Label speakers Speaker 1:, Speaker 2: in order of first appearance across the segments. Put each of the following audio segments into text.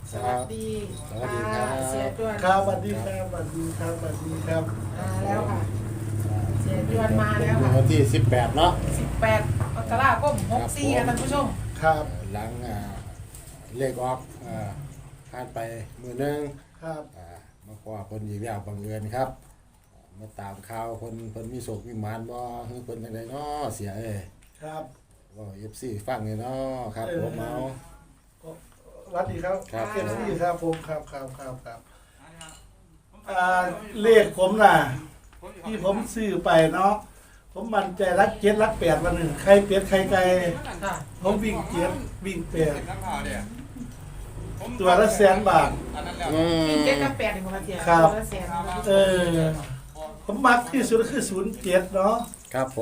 Speaker 1: สวัสดี
Speaker 2: สวัสดีครับ
Speaker 1: เสียจวน
Speaker 3: ครับสวัสดีครับสวัสดีครับสวัสดีครับ
Speaker 1: มาแล้วค่ะ เสียจวนมาแล้วค่ะ
Speaker 2: วันที่18เนาะ
Speaker 1: 18มกราคม64ค่ะท่านผู้ชม
Speaker 3: ครับ
Speaker 2: หลังเลขออกผ่านไปมือหนึง
Speaker 3: ครับ
Speaker 2: มาขอคนอีกแล้วบังเอิญครับมาตามข่าวคนมีโศกมีหมานบ่คือคนจังไดเนาะเสียเอ้ย
Speaker 3: ครับ
Speaker 2: ว่า FC ฟังนี่เนาะครับผมเอา
Speaker 3: สวัสดีครับ
Speaker 2: ครับ
Speaker 3: เอฟซีครับผมครับเลขผมน่ะ ที่ผมซื้อไปเนาะผมมั่นใจรัก7รัก8วันหนึ่งใครเป็ดใครไก่
Speaker 1: ค่ะ
Speaker 3: ผมวิ่ง7วิ่ง8ตัวละ100,000 บาท
Speaker 2: อืม
Speaker 1: เจ็ดกับ8นี่บ่คะเสีย
Speaker 3: ครับ
Speaker 1: ตัวละแสน
Speaker 3: ผมมักที่สุดคือ07เนาะ
Speaker 2: ครับผม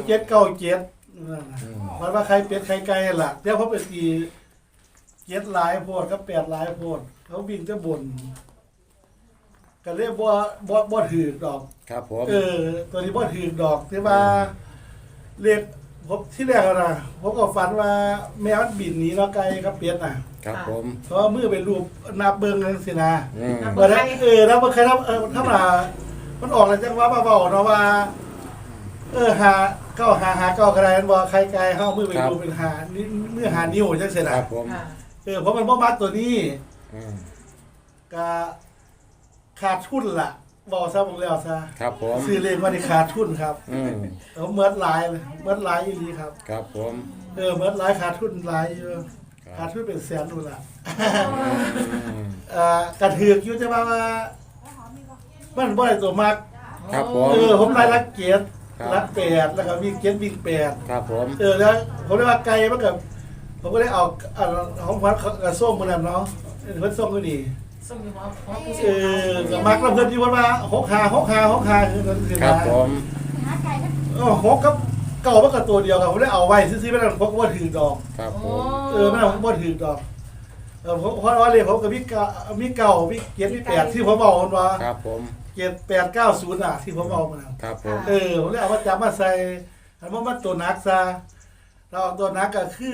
Speaker 3: 0797มันว่าใครเป็ดใครไก่ล่ะเดี๋ยวผมไปตี7หลายโพดกับ8หลายโพดเขาวิ่งจะบ่นก็เรียกบ่ถือดอก
Speaker 2: ครับผม
Speaker 3: ตัวนี้บ่ถือดอกที่ว่าเรียกผมที่แรกอะนะผมก็ฝันว่าแมวมันบินหนีเนาะไก่กับเป็ดน่ะ
Speaker 2: ครับผม
Speaker 3: เพราะว่ามือเป็นรูปนับเบิ่งนั่นสินะ
Speaker 2: อืม
Speaker 3: บ่ได้แล้วบ่เคยทำถ้ามามันออกแล้วจังว่าเว้าเนาะว่าหาเก้าหาเก้าก็ได้มันบ่ใครไก่เฮามือเป็นรูปเป็นหานี่มือหานิ้วจังซี่
Speaker 2: ค
Speaker 3: น่ะ
Speaker 2: รับผม
Speaker 1: ค่ะ
Speaker 3: เพราะมันบ่มักตัวนี้
Speaker 2: อืม
Speaker 3: ก็ขาดทุนล่ะบอกซะบอกแล้วซะ
Speaker 2: ครับผม
Speaker 3: ซื้อเลขมานี่ขาดทุนครับ
Speaker 2: อืม
Speaker 3: เมิดหลายเลยเมิดหลายอีหลีครับ
Speaker 2: ครับผม
Speaker 3: เมิดหลายขาดทุนหลายอยู่
Speaker 2: ครับ
Speaker 3: ขาดทุนเป็นแสนนู่นล่ะ
Speaker 2: อืม
Speaker 3: กระถือกอยู่จะว่ามันบ่ได้ตัวมัก
Speaker 2: ครับผม
Speaker 3: ผมรายละเกียรติ
Speaker 2: ครับ
Speaker 3: รักแปดแล้วก็วิ่งเกียรติวิ่งแปด
Speaker 2: ครับผม
Speaker 3: แล้วผมได้ว่าไกลมันกับผมก็ได้เอาของพัดกระส้มมาแล้วเนาะเพิ่นส่งก็ดี
Speaker 1: ส่งอยู่หอผู้
Speaker 3: ก็มักแล้วเพิ่นอยู่ว่า6 5คือนั่นคือ
Speaker 2: ครับ
Speaker 3: นะ
Speaker 2: ผม
Speaker 3: หกกับเก่ามันก็ตัวเดียวกันผมได้เอาไว้ซื้อๆไม่ได้ผมก็บ่ถือดอก
Speaker 2: ครับผม
Speaker 3: ไม่ได้ผมบ่ถือดอกเพราะว่าเลยผมกับมีเก่ามีเกียรติมีแปดที่ผมบอกมันว่า
Speaker 2: ครับผม
Speaker 3: เกียรติ890อ่ะที่ผมเอามา
Speaker 2: ครับผม
Speaker 3: ผมเลยเอามาจับมาใส่อันว่ามันตัวนักซะเราเอาตัวนักก็คือ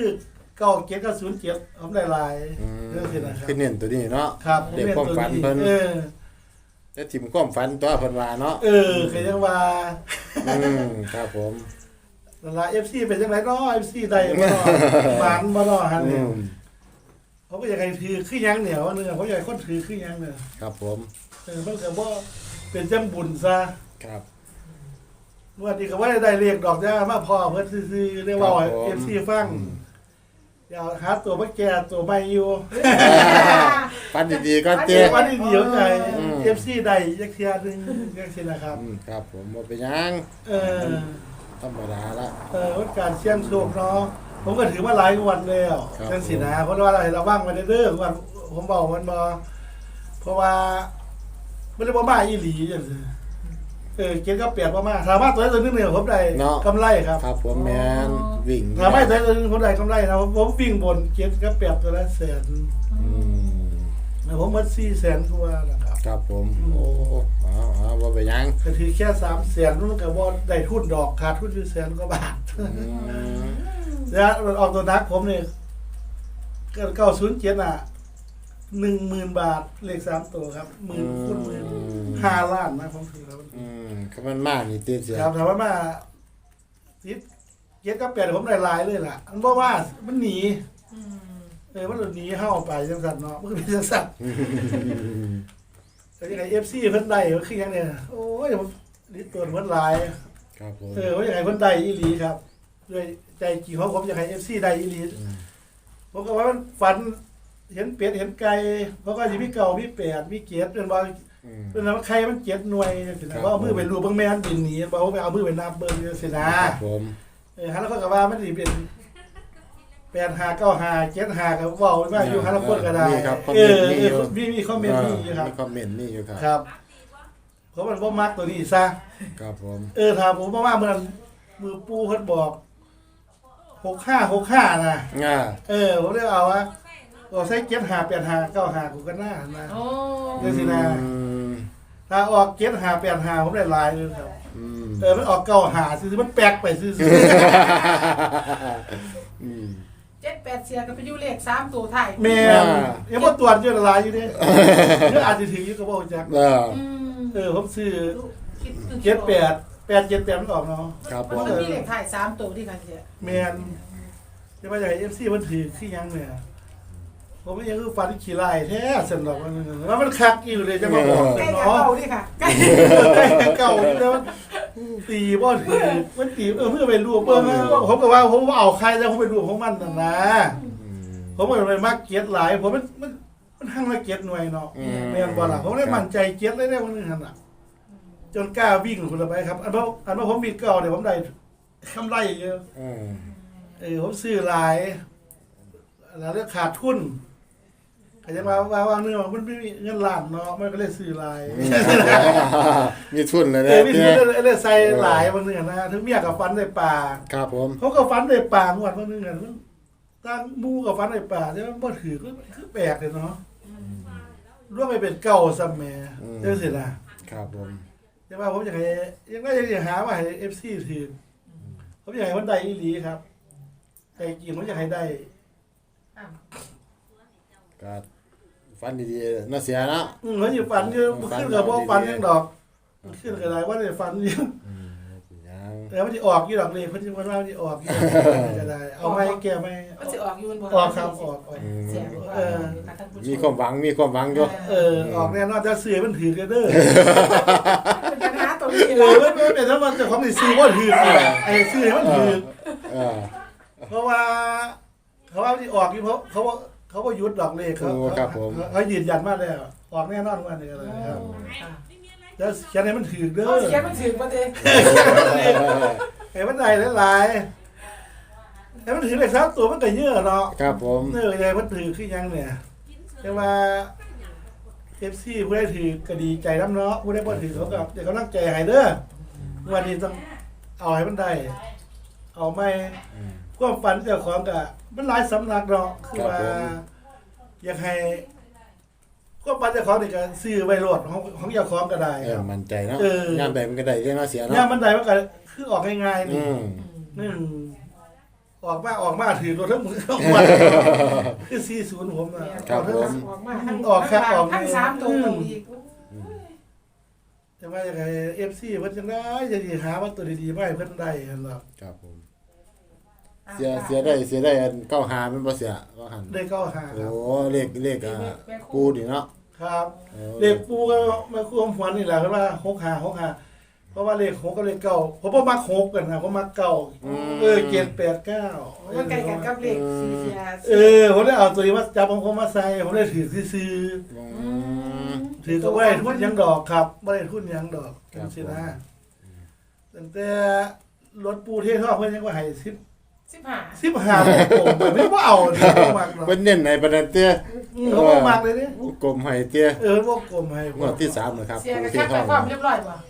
Speaker 3: 97 ผมได้หลาย
Speaker 2: อืม
Speaker 3: เรื่องสินะครับ
Speaker 2: คือเน้นตัวนี้เนาะ
Speaker 3: ครับ
Speaker 2: เด็กความฝันเพิ่น
Speaker 3: เออ
Speaker 2: แต่ถิ่มความฝันตัวเพิ่นว่าเนาะ
Speaker 3: คือยังว่า
Speaker 2: อืมครับผม
Speaker 3: นั่นล่ะ FC เป็นจังไดเนาะ FC ได้บ่เนาะหวานบ่เนาะหั่น
Speaker 2: อื
Speaker 3: นี่
Speaker 2: ม
Speaker 3: เขาก็อยากให้ถือคือหยังเหนียวนึงเขาอยากให้คนถือคือหยังเนี่ย
Speaker 2: ครับผม
Speaker 3: มันก็บ่เป็นจังบุญซะ
Speaker 2: ครับ
Speaker 3: วันนี้ก็ว่าได้เรียกดอกจ้ามาพอเพิ่นซื่อๆเรียกว่า
Speaker 2: ครับผม
Speaker 3: FC ฟังอย่าหาตัวมาแก่ตัวใหม่อยู่
Speaker 2: ฝันดีๆก็เตี้ย
Speaker 3: วันนี้เดี๋ยวใจ
Speaker 2: อืม
Speaker 3: FC ได้จักเที่ยนึงจังซี่นะครับ
Speaker 2: ครับผมบ่เป็นหยัง
Speaker 3: เออ
Speaker 2: ธรรมดาละ
Speaker 3: วันการเสี่ยงโชคเนาะผมก็ถือมาหลายงวันแล้ว
Speaker 2: ครับ
Speaker 3: จังซี่นะเพราะว่าเราว่างไว้เด้อวันผมบอกมันบ่เพราะว่ามันเลยบ่มาอีหลีจังซี่เก็บกับเปียกบ่มาสามารถตัวได้ตัวนึงเนี่ยผมได้
Speaker 2: เนาะ
Speaker 3: กำไรครับ
Speaker 2: ครับผมแม่นวิ่ง
Speaker 3: ถามไม่แต่คนใดกำไรนะผมวิ่งบนเกียรก็เปรียบตัวละแสน
Speaker 2: อืม
Speaker 3: ผมมัด400,000กว่านะครับ
Speaker 2: ครับผมโอ้เอาบ่เป็นหยัง
Speaker 3: ก็ถือแค่300,000มันก็บ่ได้ทุนดอกขาดทุนอยู่100,000กว่าบาท
Speaker 2: อืม
Speaker 3: แล้วมันออกตัวนักผมนี่ก็907อ่ะ 10,000 บาทเลข3ตัวครับหมื่นคูณหมื่น5 ล้านนะผมถือครับ
Speaker 2: คือมันมากนี่ติดเสีย
Speaker 3: ครับถามว่ามาติดเกียรก็เปลี่ยนผมได้หลายเลยล่ะมันบ่ว่ามันหนี
Speaker 1: อืม
Speaker 3: มันหนีเฮาไปจังซั่นเนาะมันก็เป็นจังซั่น แต่ยังไง FC เพิ่นได้ก็คือหยังเนี่ยโอ้ยผมนี่ตัวเพิ่นหลาย
Speaker 2: ครับผม
Speaker 3: ว่ายังไงเพิ่นได้อีหลีครับด้วยใจจริงของผมอยากให้ FC ได้อีหลีผมก็ว่ามันฝันเห็นเป็ดเห็นไก่เพราะก็สิมีเก่ามีแปดมีเกียรติเป็นว่าเป็นว่าใครมัน7หน่วยจังซี่นะว่าเอามือไปรูปเบิ่งแม่นบินหนีบ่ว่าไปเอามือไปนับเบิ่งจังซี่นะครับ
Speaker 2: ผม
Speaker 3: ฮะแล้วก็ว่ามันสิเป็น85 95 75ก็เว้ามาอยู่ฮะแล้วคนก็ได้
Speaker 2: มีครับคอม
Speaker 3: เอ
Speaker 2: เมนต์มีอยู่
Speaker 3: มีคอมเมนต์มีอยู่ครับ
Speaker 2: มีคอมเมนต์นี่อยู่ครับ
Speaker 3: ครับเพราะมันบ่มักตัวนี้ซะ
Speaker 2: ครับผม
Speaker 3: ถามผมว่าเมื่อนั้นมือปูเพิ่นบอก6565นะ
Speaker 2: ง่า
Speaker 3: ผมเลยเอาว่าเอาใส่758595กูก็น่านะ
Speaker 1: โอ้
Speaker 3: เดี๋ยวสินะ ถ้าออก7585ผมได้หลายเลยครับ
Speaker 2: อืม
Speaker 3: มันออก95ซื่อๆมันแปลกไปซื่อ
Speaker 2: อืม
Speaker 3: ๆ
Speaker 1: 7-8เสียก็ไปอยู่เลข3ตัวไทาย
Speaker 3: แม่ยังบ่ตรวจอยู่ละลายอยู่เด้หรืออาจสิถึงอยู่ก็บ่รู้จัก ผมซื้อ
Speaker 1: คิด
Speaker 3: 78มันออกเนาะ
Speaker 2: ครับผ
Speaker 1: มัน
Speaker 2: ม
Speaker 1: ต้องมีเลขไทาย3ตัวที่กันเสีย
Speaker 3: แม่นจะมาจาก FC มันถือคือหยังเนี่ยผมก็ยังคือฟันขี้ลายแท้สนดอกมันคักอยู่เลยจะมาบอก
Speaker 1: ใกล้กับ
Speaker 3: เนาะ
Speaker 1: เก่าดิค่ะใกล้
Speaker 3: ใกล้เก่าอยู่แล้วมันตีบ่ถือมันตีเพื่อไปรวบผมก็ว่าผมเอาใครแล้วผมไปรวบของมันน่ะนะผมก็ไปมักเกียรติหลายผมมันหั่งละเกียรติหน่วยเนาะแม่นบ่ล่ะผมได้มั่นใจเกียรติเลยได้วันนึงหั่นน่ะจนกล้าวิ่งพุ่นละไปครับอันว่าผมวิ่งเก่าเนี่ยผมได้กำไรเยอะผมซื้อหลายแล้วขาดทุนก็จะว่าเนื้อมันไม่มีเงินล้านเนาะมันก็เลยซื้อหลาย
Speaker 2: มีทุนเลย
Speaker 3: มีทุนเลยใส่หลายบางเนื้อนะถึงเมียกับฟันในป่า
Speaker 2: ครับผม
Speaker 3: เขาก็ฟันในป่าหมดบางเนื้อมันตั้งมูกับฟันในป่าใช่ไหมบ่ถือก็คือแปลกเลยเนาะร่วมไปเป็นเก่าซ้ำแม่เจ้าสินะครับ
Speaker 2: ผม
Speaker 3: แต่ว่าผมอยากให้ยังได้อยากหาว่าให้ FC ถือผมอยากให้มันได้อีหลีครับแต่จริงผมอยากให้ได้
Speaker 2: ก็ฟันดีๆน่าเสียเนาะ
Speaker 3: เขาอยู่ฝันอยู่ขึ้นกับพวกฝันยังดอกขึ้นกับอะไรว่าได้ฝันอยู่แล้วมันจะออกอยู่ดอกเลยเพิ่นจะว่ามันจะออกอยู่ก็ได้เอาไม้แก้ไม้
Speaker 1: มันสิออกอยู่มันบ่
Speaker 3: ออกครับออก
Speaker 1: เสียบ่ค่ะท่านผู้ช
Speaker 2: มีความหวังอยู่
Speaker 3: ออกแน่นอนจะซื้อมันถือกันเด้อ
Speaker 1: เป็นปัญหาตรงนี้
Speaker 3: มันเป็นถ้ามันจะของสิซื้อบ่ถือไอ้ซื้อมันถือเพราะว่าเขาว่าที่ออกอยู่เพราะเขาว่ายุดดอกเลขเขายืนยันมาแล้วออกแน่นอนว่านี่อะไรครับแล้วแค่นี้มันถือเด้อ
Speaker 1: เสียมันถึงบ่เด้
Speaker 3: ไอ้มันได้หลายไอ้มันถือเลข3ตัวมันก็เยอะเนาะ
Speaker 2: ครับผม
Speaker 3: เนื้อใหญ่มันถือคือยังเนี่ยแต่ว่า FC ผู้ได้ถือก็ดีใจน้ำเนาะผู้ได้บ่ถือเขากับเดี๋ยวเขาตั้งใจให้เด้อวันนี้ต้องเอาให้มันได้เอาไม่ความฝันเจ้าของก็มันหลายสำนักเนาะคือว่าอยากให้ความฝันเจ้าของนี่ก็ซื้อไว้โลดของเจ้าของก็ได้ครับ
Speaker 2: มั่นใจเนาะยามใดมันก็ได้ยังน่าเสียเนาะ
Speaker 3: ยามมันได้มันก็คือออกง่ายๆนี่ออกมาถือรถทั้งหมดคือ40ผมน่ะ
Speaker 2: ครับผม
Speaker 3: ออกครับออก
Speaker 1: ทั้ง3ตัวอีก
Speaker 3: แต่ว่าอย่างไร FC เพิ่นจังได๋จะสิหาว่าตัวดีๆมาให้เพิ่นได้หั่นล่ะ
Speaker 2: ครับผมเสียได้อัน95มันบ่เสียว่าหั่น
Speaker 3: ได้เข้าหาค
Speaker 2: โอ้
Speaker 3: รับ
Speaker 2: เลขกูนี่เนาะ
Speaker 3: ครับเลขปูก็มาควมหวนนี่แหละคือว่า65เพราะว่าเลข6กับเลข9ผมบ่มัก6กันนะผมมัก9789
Speaker 1: มันใกล้กันกับเลข4เสีย
Speaker 3: ผมได้เอาตัวนี้มาจับของผมมาใส่ผมได้ถือซื่อๆถือก็บ่ได้ทุนหยังดอกครับบ่ได้ทุนหยังดอกจังซี่นะตั้งแต่รถปูเททองเพิ่นยังว่าให้15ผมไม่ว่าเอาดิบ่มักหรอก
Speaker 2: เพิ่นเน้นให้ปานนั้นเตี้ย
Speaker 3: บ่มักเลยเด้
Speaker 2: กลมให้เตี้ย
Speaker 3: บ่กลมให้
Speaker 2: งวดที่3นะครับ
Speaker 1: เสียก็แค่ไปความเรียบร้อยบ่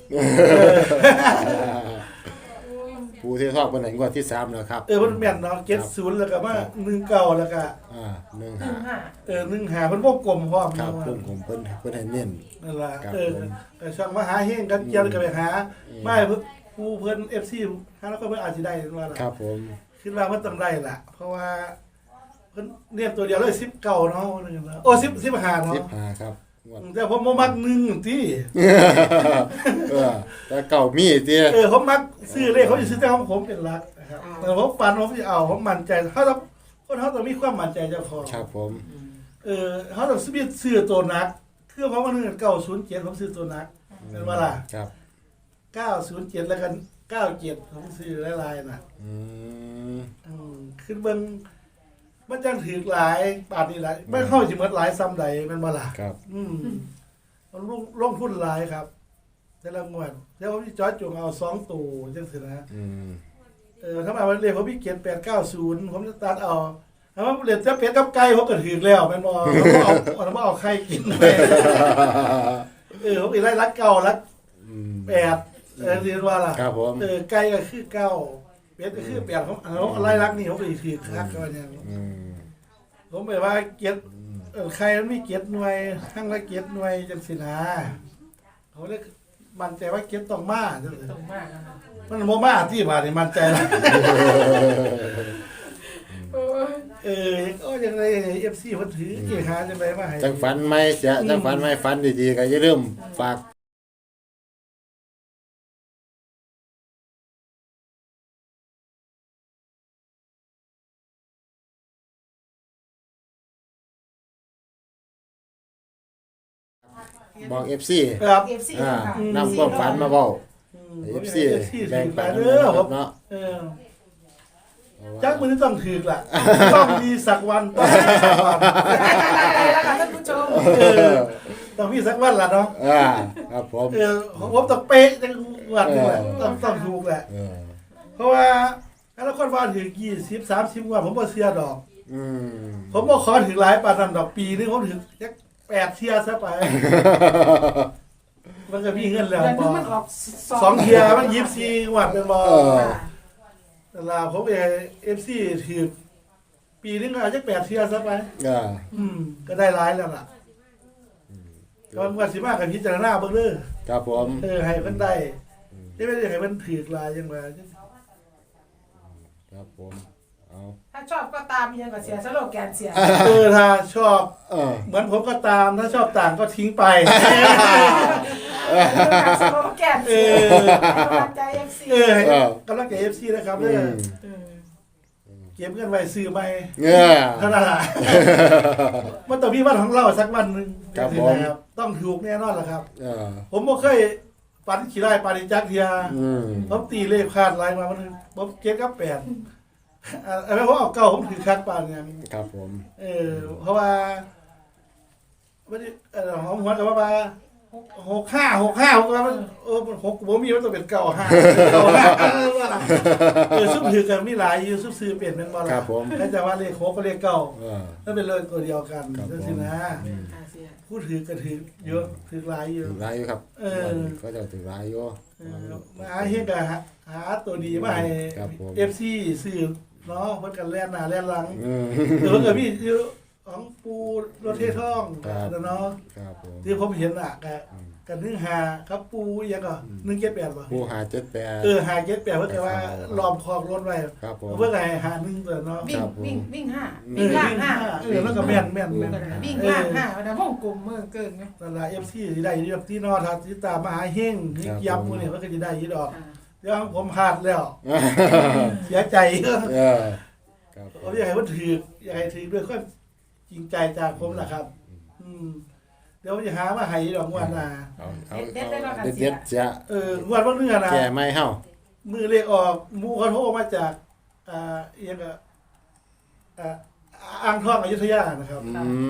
Speaker 2: ปูที่ทอดเป็นไหนงวดที่3แล้วครับ
Speaker 3: มันแม่นเนาะ70แล้วก็มา19แล้วก็
Speaker 2: 15
Speaker 3: 15เพิ่นบ่กลมพร้อม
Speaker 2: ครับ
Speaker 3: เนาะ
Speaker 2: ผมเพิ่นให้เน้น
Speaker 3: นั่นล่ะ
Speaker 2: ครับ
Speaker 3: ก็ช่างมาหาเฮงกันเกี่ยวก็ไปหาไม่ผู้เพิ่น FC หาแล้วก็เพิ่นอาจสิได้ว่าล่ะ
Speaker 2: ครับผม
Speaker 3: คิดว่าเพิ่นต้องได้ล่ะเพราะว่าเพิ่นเรียนตัวเดียวเลย19เนาะว่าซั่นเนาะโอ้15เนาะ
Speaker 2: 15ครับงวด
Speaker 3: แต่ผมบ่มัก1ติ
Speaker 2: แต่เก่ามีเตี้ย
Speaker 3: ผมมักซื้อเลขเขาสิซื้อแต่ของผมเป็นหลักนะครับแต่ผมฝันผมสิเอาผมมั่นใจเขาต้องมีความมั่นใจเจ้าของ
Speaker 2: ครับผม
Speaker 3: เขาต้องซื้อตัวนักคือเพราะว่า907ผมซื้อตัวนักเป็นว่าล่ะ
Speaker 2: ครับ
Speaker 3: 907แล้วกัน97ผมซื้อหลายๆน่ะขึ้นเบิ่งมันจังถือหลายบาทนี่หลายไม่เข้าสิหมดหลายซ้ำใดแม่นบ่ล่ะ
Speaker 2: ครับ
Speaker 3: มันลงทุนหลายครับแต่ละงวดแล้วผมสิจอดจงเอา2ตัวจังซี่นะถ้ามาวันเรียกผมมีเกียรติ890ผมจะตัดเอาถ้าว่าเรียนจะเป็ดกับไก่ผมก็ถือแล้วแม่นบ่ผมเอาไข่กินไปผมอีกรักเก่ารัก8เรียนว่าล่ะ
Speaker 2: ครับผม
Speaker 3: ไก่ก็คือ9เป็ดก็คือ8ของอะไรรักนี่ผมก็ถือคักก็ว่าอย่างผมไปว่าเกียรติไข่มันมีเกียรติหน่วยทั้งละเกียรติหน่วยจังซี่นะเขาเลยมั่นใจว่าเกียรติต้องมาจังซี่
Speaker 1: ตรงมากนะคะ
Speaker 3: มันบ่มาที่บาดนี่มั่นใจแล้ว
Speaker 1: โอ้ย
Speaker 3: ก็ยังไง FC เพิ่นถือเกี่ยหาจังไดมาให้
Speaker 2: จังฝันไหมเสียจังฝันไหมฝันดีๆก็อย่าลืมฝากบอก FC
Speaker 3: ครับ
Speaker 1: เอฟซี
Speaker 2: อ่า
Speaker 1: ค่ะ
Speaker 2: นำความฝันมาเว้า FC แบ่งปันนะครับเนาะ
Speaker 3: จักมื้อนี้ต้องถือกล่ะต้องมีสักวันต้องมีสักวัน
Speaker 1: แล้วค่ะท่านผู้ชม
Speaker 3: ต้องมีสักวันล่ะเนาะ
Speaker 2: ครับผม
Speaker 3: ของผมต้องเป๊ะจังหวัดนี่แหละต้องถูกแหละ เพราะว่าถ้าละคนว่าถึง20 30วันผมบ่เชื่อดอก ผมบ่ขอถึงหลายปานนั้นดอกปีนึงผมถึงจัก8เที่ยซะไป มันก็มีเงินแล้ว
Speaker 1: เดือน
Speaker 3: บ่
Speaker 1: นึงมันออก
Speaker 3: 2เที่ยมัน24วัดเป็นบ่
Speaker 1: ค่ะ
Speaker 3: แต่ลาผมFC ถือปีนึงก็อาจจะ8เที่ยซะไป ก็ได้หลายแล้วล่ะก็ว่าสิมากับพิจารณาเบิ่งเด้อ
Speaker 2: ครับผม
Speaker 3: ให้เพิ่นได้ไม่ได้ให้เพิ่นถือหลายจังว่า
Speaker 2: ครับผมเอา
Speaker 1: ถ้าชอบก็ตามยังก็เสียสโลแกนเสีย
Speaker 3: ถ้าชอบ
Speaker 2: เออ
Speaker 3: เหมือนผมก็ตามถ้าชอบต่างก็ทิ้งไป
Speaker 1: สโลแกนเสียกำลังใจเอฟซี
Speaker 3: ให้กำลังใจ FC นะครับเด้อเก็บเงินไว้ซื้อใหม่
Speaker 2: เงี้ย
Speaker 3: เท่านั้นล่ะมันต้องมีวันของเราสักวันหนึง
Speaker 2: ครับผม
Speaker 3: นะครับต้องถูกแน่นอนล่ะครับ
Speaker 2: เออ
Speaker 3: ผมบ่เคยฝันขี้ไร่ปานิจักเทีย ผมตีเลขคาดลายมามันผมเก็บกับ8อะไรเพราะเอาเก่าผมถือคักปานอย่าง
Speaker 2: ครับผม
Speaker 3: เพราะว่าวันนี้ของหัวกับว่า65ผมว่ามัน6ผมมีมันต้องเป็น95ซุปถือกันมีหลายอยู่ซุปซื้อเปลี่ยนเป็นบ่ล่ะ
Speaker 2: ครับผม
Speaker 3: แล้วจะว่าเลข6ก็เลขเก่า
Speaker 2: เออ
Speaker 3: แล้วเป็นเลขตัวเดียวกัน
Speaker 2: ครับ
Speaker 3: จังซี่นะ
Speaker 1: เสีย
Speaker 3: ผู้ถือก็ถือเยอะถือหลายอยู่
Speaker 2: ถึงร้ายอยู่ครับ ก็จะถึงร้ายอยู่
Speaker 3: มาเฮ็ดก็หาตัวดีมาให้
Speaker 2: ครับผม
Speaker 3: FC ซื้อเนาะเพิ่นกันแล่นหน้าแล่นหลัง
Speaker 2: อืม
Speaker 3: เดี๋ยวเกิดพี่อยู่ของปูรถเทท่อง
Speaker 2: ครับ
Speaker 3: เนาะ
Speaker 2: ครับผม
Speaker 3: ที่ผมเห็นอ่ะกันนึ่งหาครับปูยังก็178ป่ะ
Speaker 2: ผู้หา78
Speaker 3: หาเจ็ดแปดเพื่อว่าล้อมคอกรถไว้
Speaker 2: ครับผม
Speaker 3: เพื่อไงหา1ตัวเนาะ
Speaker 1: วิ่งห้าวิ่งล่างห้า
Speaker 3: แล้วก็แม่น
Speaker 1: วิ่งล่างห้าวันนั้นห้องกลมเมื่อเกินไง
Speaker 3: นั่นล่ะ FC สิได้อยู่ที่นอทัศที่ตามมหาเฮงยับมื้อนี้มันก็สิได้อยู่ดอกเดี๋ยวผมพลาดแล้วเสียใจ
Speaker 2: เออครับ
Speaker 3: ผมอยากให้มันถืออยากให้ถือด้วยความจริงใจจากผมแหละครับ เดี๋ยวผมจะหามาให้ดอกงวันน่ะ
Speaker 2: เอาเด็ดๆจะ
Speaker 3: งวันบางเนื้อนะ
Speaker 2: แก่ไม่เฮา
Speaker 3: มือเลขออกหมูเขาโทรมาจากเอียงก็อ่างทองอยุธยานะครับ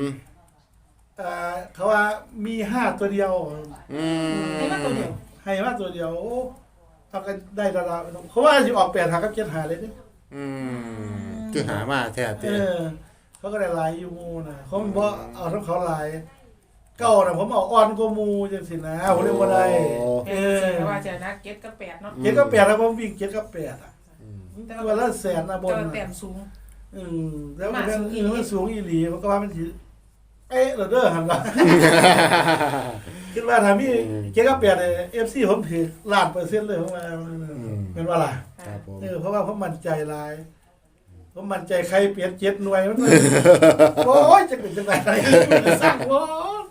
Speaker 3: เขาว่ามี5ตัวเดียว
Speaker 1: ให้มาตัวเดียว
Speaker 3: ให้มาตัวเดียวโอ้เอากันได้ระดับเขาว่าสิออก8หากับ7หาเลยนี่
Speaker 2: คือหามาแท้เต้
Speaker 3: เขาก็ได้หลายอยู่หมูนะเขาบ่เอาทั้งเขาหลายเก่าน่ะผมเอาอ่อนกว่าหมูจังซี่นะผมเรียกว่าได้
Speaker 1: ว่าจะนะเก็ตกับแปดเนาะ
Speaker 3: 7กับ8แล้วผมวิ่ง7กับ8อ่ะตัวละแสนนะบน
Speaker 1: แต้มสูง
Speaker 3: แล้วมันมันสูงอีหลีมันก็ว่ามันสิเอ๊ะเด้อหั่นล่ะคิดว่าถ้ามี7กับ8เนี่ย FC ผมถือล้านเปอร์เซ็นต์เลยผมว่าเป็นว่าล่ะ
Speaker 2: ครับผม
Speaker 3: เพราะว่าผมมั่นใจหลายผมมั่นใจใครเปลี่ยน7หน่วยมันโอ้ยจะเป็นจังได๋สร้างโอ้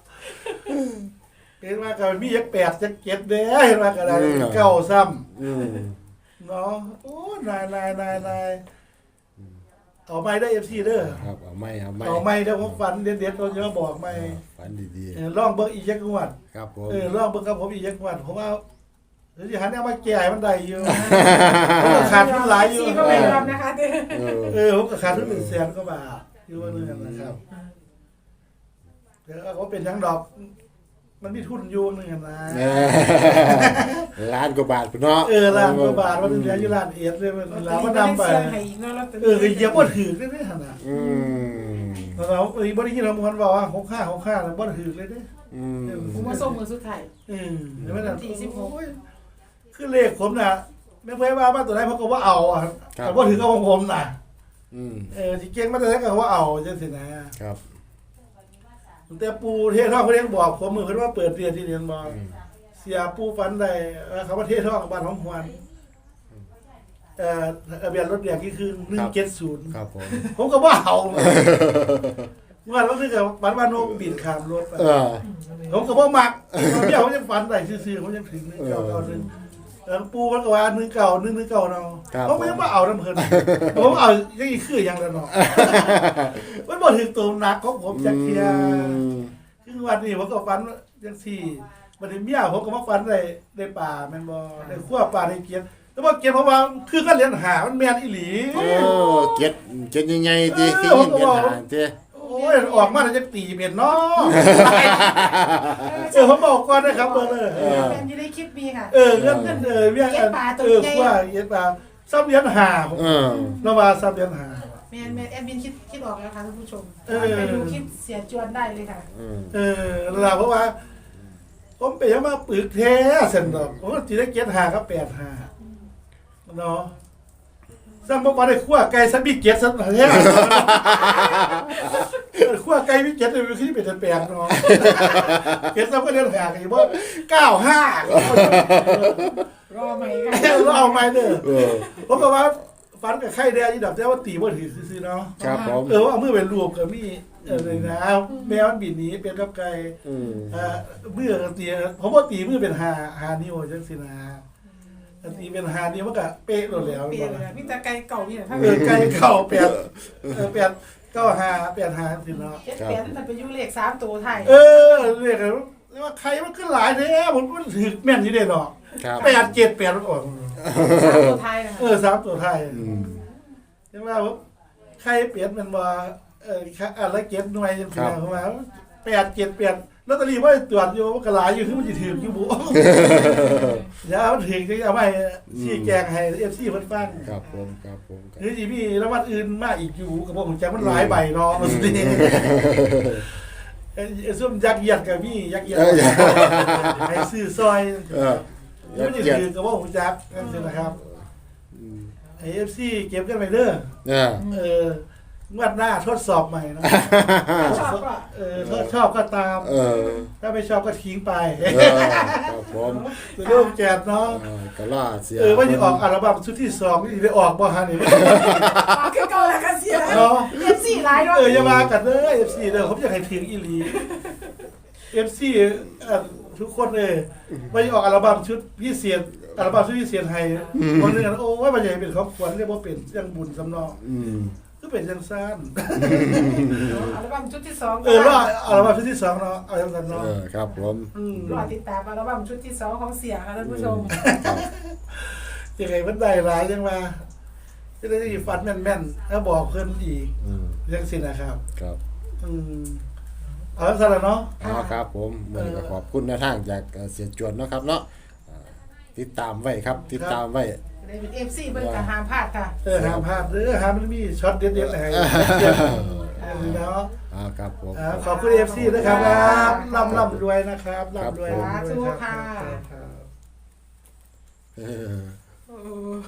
Speaker 3: เห็นว่าก็มีจัก8จัก7เด้เห็นว่าก็ได้เก้าซ้ำเนาะโอ้นายเอาไม่ได้ FC เด้อ
Speaker 2: ครับเอาไม่เอาไม่
Speaker 3: เอาไม่เด้อผมฝันเด็ดๆเราจะมาบอกไม่
Speaker 2: ฝันดี
Speaker 3: ลองเบิ่งอีกจักงวด
Speaker 2: ๆครับผม
Speaker 3: ลองเบิ่งกับผมอีกจักงวดเพราะว่าเดี๋ยวสิหันเอามาแก้ให้มันได้อยู่ผมก็ขาดทุนหลายอยู่
Speaker 1: ซีก็ไม่ยอมนะคะเด้อ
Speaker 3: ผมก็ขาดทุน100,000กว่าบาทอยู่ว่าเรื่องนะครับเดี๋ยวก็เป็นทั้งดอก มันมีทุนอยู่นึงนะ
Speaker 2: ล้านกว่าบาทพุ่นเนาะ
Speaker 3: ล้านกว่าบาทมันเหลืออยู่ล้านเอ็ดเลยมันล้านมันนำไปเหยียบบ่ถือได้หั่นน่ะเราบ่ได้ยินเรามันว่า65แล้วบ่ถือเลยเด้
Speaker 1: ผมมาส่งมือสุดท้าย
Speaker 3: แล้วมันที่16คือเลขผมน่ะไม่เคยว่ามาตัวใดเพราะก็ว่าเอาอ่ะแต่บ่ถือกับของผมน่ะสิเก่งมาแต่ไหนก็ว่าเอาจังซี่นะครับ แต่ปูเทศท่องเพิ่นบอกผมมือเพิ่นว่าเปิดเรียนที่เรียนบ่เสียปูฝันได้เขาว่าเทศท่องบ้านของหวนทะเบียนรถแดงที่คือ170
Speaker 2: ครับผม
Speaker 3: ผมก็บ่เอาเมื่อวันนึงก็ฝันว่าโนกบินข้ามรถไปผมก็บ่มักเดี๋ยวผมยังฝันได้ซื่อๆผมยังถึง1991ปูมันก็ว่า191เนาะผมไม่มาเอาน้ำเพิ่นผมเอายังอีกคืออย่างละเนาะมันบ่ถึงตัวหนักของผมจักเที่ยคือวันนี้ผมก็ฝันจังซี่บัดนี้เมียผมก็มาฝันได้ป่าแม่นบ่ได้คั่วป่าได้เกียรแต่ว่าเกียรเพราะว่าคือกันเรียนหามันแม่นอีหลี
Speaker 2: เก็ดใหญ่ๆติที่ยินเป็นหางติ
Speaker 3: โอ้ยออกมาแล้วจะตีเป็นเนาะผมบอกก่อนนะครับเบอร์เลย
Speaker 1: เป็นอยู่ในคลิปมีค่ะ
Speaker 3: เรื่องเรียกว่าเย็ดปลาซับเลี้ยนหาผมนว่าซับเลี้ยนหา
Speaker 1: แมนแอดมินคิดออกแล้วค่ะท่านผู้ชมไปดูคลิปเสียจวนได้เลยค่ะ
Speaker 3: เราเพราะว่าผมไปยังมาปึกแท้เส้นดอกผมก็ตีได้7 5กับ8 5เนาะสร้างบอกว่าได้ขั้วไก่สันมีเกียรติสันแท้ขั้วไก่มีเกียรติเลยคือเป็นแปลกเนาะเกียรติสันก็เดินหากันอยู่ว่95
Speaker 1: รอใหม่กัน
Speaker 3: รอใหม่เด้อผมก็ว่าฟันกับไข่แดงยี่ดอกแต่ว่าตีบ่ถือซื่อเนาะ
Speaker 2: ครับผม
Speaker 3: ว่าเอามือไปรวบกับมีเลยนะแมวมันบินหนีเป็นกับไก่มือตีผมว่าตีมือเป็น5นิ้วจังซี่นะตีเป็น5นิ้วมันก็เป๊ะหมดแล้ว
Speaker 1: เปลี่ยนเลยมีแต่ไก่เก่าเนี่ยถ้า
Speaker 3: ไก่เข่า8 95 85สิเนาะ
Speaker 1: เปลี่ยนแต่ไปยุ่เลข3ตัวไทย
Speaker 3: เรียกว่าใครมันขึ้นหลายแท้ผมก็ถือแม่นอยู่เด้เนาะ
Speaker 2: ครับ
Speaker 3: 8 7 8มันออก
Speaker 1: 3ตัวไทยนะคะ
Speaker 3: 3ตัวไทยใช่ไหมว่าใครเปลี่ยนมันว่าอะไรเก็บหน่วยจังซี่นะเพราะว่า8 7 8ลอตเตอรี่ว่าตรวจอยู่มันก็หลายอยู่คือมันสิถืออยู่บ่อย่ามันถึงจะเอาไปชี้แจงให้ FC เพิ่นฟัง
Speaker 2: ครับผม
Speaker 3: หรือสิมีรางวัลอื่นมาอีกอยู่ก็บ่ฮู้จักมันหลายใบเนาะมันสิซุ่มยักษ์เยียดกับพี่ยักษ์เยียดให้ซื้อซอยมันสิถือก็บ่ฮู้จักนั่นสินะครับไอ้ FC เก็บกันไปเด้องวดหน้าทดสอบใหม่นะ
Speaker 1: ชอบก็
Speaker 3: ถ้าชอบก็ตามถ้าไม่ชอบก็ทิ้งไป
Speaker 2: ครับผม
Speaker 3: ตัวเรื่องแจกเนาะ
Speaker 2: ก็ล่าเสีย
Speaker 3: ว่าจะออกอัลบั้มชุดที่2นี่ได้ออกบ่ฮะนี่
Speaker 1: คือเก่าแล้วกันเสีย
Speaker 3: เนาะ
Speaker 1: FC หลายด้วย
Speaker 3: อย่ามากันเด้อ FC เด้อผมอยากให้ถึงอีหลี FC ทุกคนเลยว่าจะออกอัลบั้มชุดพิเศษอัลบั้มชุดพิเศษให้คนนึงโอ้ว่ามันจะเป็นครอบครัวเรียกว่าเป็นยังบุญสำนองก็เป็นจังซั่น
Speaker 1: อัลบั้มชุดที่2
Speaker 3: รออัลบั้มชุดที่2เนาะเอาจังซั่นเนาะ
Speaker 2: ครับผม
Speaker 1: รอติดตามอัลบั้มชุดที่2ของเสียค่ะท่านผู้ชม
Speaker 3: ยังไงมันได้หลายจังว่าจะได้ฟันแม่นๆแล้วบอกเพิ่นอีกจังซี่นะครับ
Speaker 2: ครับ
Speaker 3: เอาจังซั่นล่ะเนาะ
Speaker 2: ครับผมมื้อนี้ก็ขอบคุณแนวทางจากเสียจวนเนาะครับเนาะติดตามไว้ครับติดตามไว้
Speaker 1: ได้เป็น FC เบิ่งก็ห้ามพลาดค่ะ
Speaker 3: ห้ามพลาดหามันมีช็อตเด็ดๆให้เนาะ
Speaker 2: ครับผม
Speaker 3: ขอบคุณ FC นะครับร่ำรวยนะครับร่ำรวย
Speaker 1: สาธุค่ะ
Speaker 3: ครับ